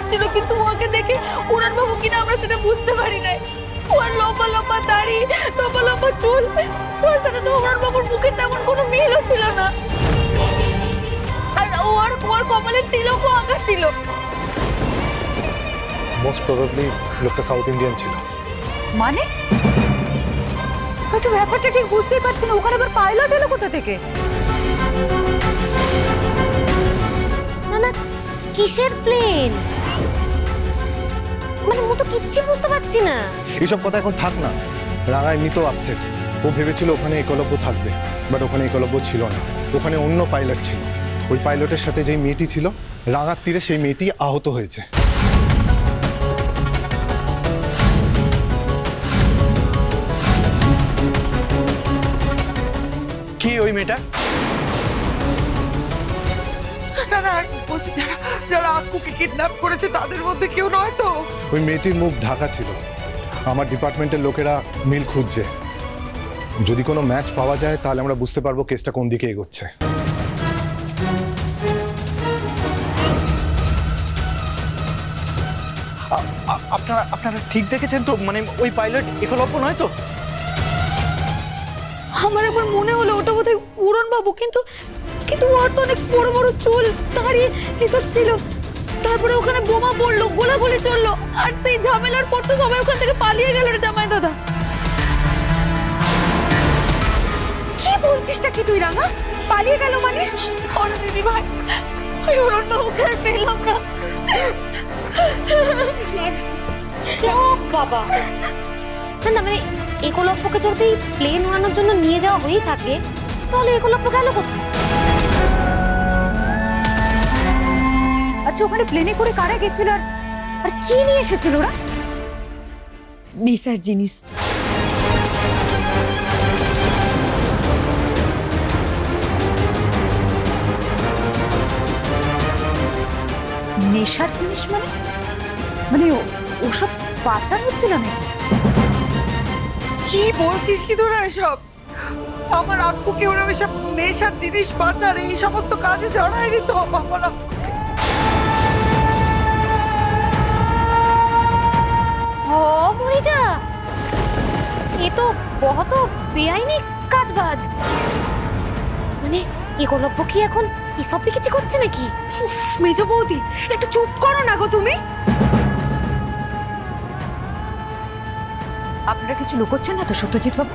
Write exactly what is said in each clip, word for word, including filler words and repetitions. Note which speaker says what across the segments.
Speaker 1: যাচ্ছিল, কিন্তু ওকে দেখে উড়ান বাবু কিনা আমরা সেটা বুঝতে পারি নাই। ওর লম্বা লম্বা দাড়ি, লম্বা লম্বা চুল, ওর সাথে তো উড়ান বাবুর মুখের তেমন কোনো মিলও ছিল না। আর ওর ওর কপালে তিলকও আঁকা ছিল।
Speaker 2: মোস্ট প্রবাবলি লোকটা সাউথ ইন্ডিয়ান ছিল।
Speaker 3: মানে হয়তো ব্যাপারটা ঠিক বুঝতেই পারছি না, ওখানে আবার পাইলট এলো কোথা থেকে?
Speaker 4: না না, কিসের প্লেন? মানে মো তো কিচ্ছু বুঝতে পারছি না।
Speaker 2: এইসব কথা এখন থাক না। রাঙা এমনি তো আপসেট। ও ভেবেছিল ওখানে একলব্য থাকবে, বাট ওখানে একলব্য ছিল না, ওখানে অন্য পাইলট ছিল। ওই পাইলটের সাথে যেই মেয়েটি ছিল, রাঙার তীরে সেই মেয়েটি আহত হয়েছে।
Speaker 5: কি ওই মেয়েটা?
Speaker 6: তারা বলছি যারা যারা আক্কুকে কিডন্যাপ করেছে তাদের মধ্যে কেউ নয় তো?
Speaker 2: ওই মেয়েটির মুখ ঢাকা ছিল। আমার ডিপার্টমেন্টের লোকেরা মিল খুঁজছে। যদি কোনো ম্যাচ পাওয়া যায় তাহলে আমরা বুঝতে পারবো কেসটা কোন দিকে এগোচ্ছে।
Speaker 5: আপনারা আপনারা ঠিক দেখেছেন তো? মানে ওই পাইলট একলব্য নয় তো?
Speaker 1: আমার একবার মনে হলো ওটা বোধহয় উড়ান বাবু, কিন্তু কিন্তু ওর তো অনেক বড় বড় চুল, দাড়ি এসব ছিল। তারপরে ওখানে বোমা পড়লো, গোলাগুলি চললো, আর সেই ঝামেলার পর তো সবাই ওখান থেকে পালিয়ে গেল রে জামাই দাদা।
Speaker 3: কি বলছিসটা কি তুই রাঙা? পালিয়ে গেল মানে?
Speaker 1: ওর দিদি ভাই, ওই উড়ান বাবুকে আর পেলাম না।
Speaker 4: চুপ বাবা। না না, মানে একলব্যকে যদি প্লেন উড়ানোর জন্য নিয়ে যাওয়া হয়েই থাকে, তাহলে একলব্য গেল কোথায়?
Speaker 3: আচ্ছা, ওখানে প্লেনে করে কারা গেছিল আর আর কি নিয়ে এসেছিল ওরা?
Speaker 1: নেশার জিনিস।
Speaker 3: নেশার জিনিস মানে? মানে ও- ওসব পাচার হচ্ছিল নাকি?
Speaker 6: কি বলছিস কি তোরা এসব? আমার আক্কুকে ওরা এসব নেশার জিনিস পাচার এই সমস্ত কাজে জড়ায়নি তো আমার আক্কুকে।
Speaker 4: হ মরে যা, এ তো বহুত বেআইনি কাজবাজ। মানে একলব্য কি এখন এসব কিছু করছে নাকি?
Speaker 3: উফ, মেজ বৌদি একটু চুপ করো না গো তুমি। আপনারা কিছু লুকোচ্ছেন না তো সত্যজিৎ বাবু?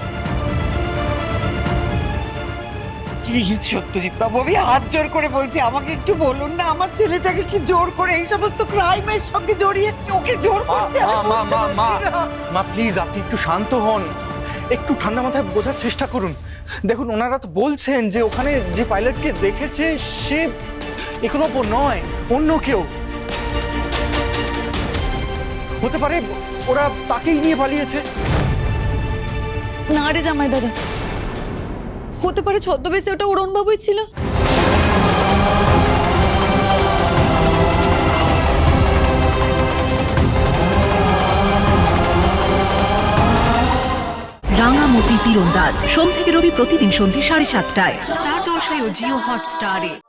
Speaker 6: প্লিজ সত্যজিৎ বাবু, আমি হাত জোর করে বলছি, আমাকে একটু বলুন না আমার ছেলেটাকে কি জোর করে এই সমস্ত ক্রাইমের সঙ্গে জড়িয়ে ওকে জোর করছে? আমি
Speaker 5: মা মা
Speaker 6: বুঝতে
Speaker 5: মা মা
Speaker 6: পারছি না।
Speaker 5: মা প্লিজ আপনি একটু শান্ত হন, একটু ঠান্ডা মাথায় বোঝার চেষ্টা করুন। দেখুন, ওনারা তো বলছেন যে ওখানে যে পাইলটকে দেখেছে সে একলব্য নয়, অন্য কেউ হতে পারে। ওরা তাকেই নিয়ে পালিয়েছে।
Speaker 1: না রে জামাই দাদা, হতে পারে ছদ্মবেশে ওটা উড়ান বাবুই ছিল।
Speaker 7: রাঙামতি তীরন্দাজ সোম থেকে রবি প্রতিদিন সন্ধ্যে সাড়ে সাতটায় স্টার জলসায় ও জিও হটস্টারে।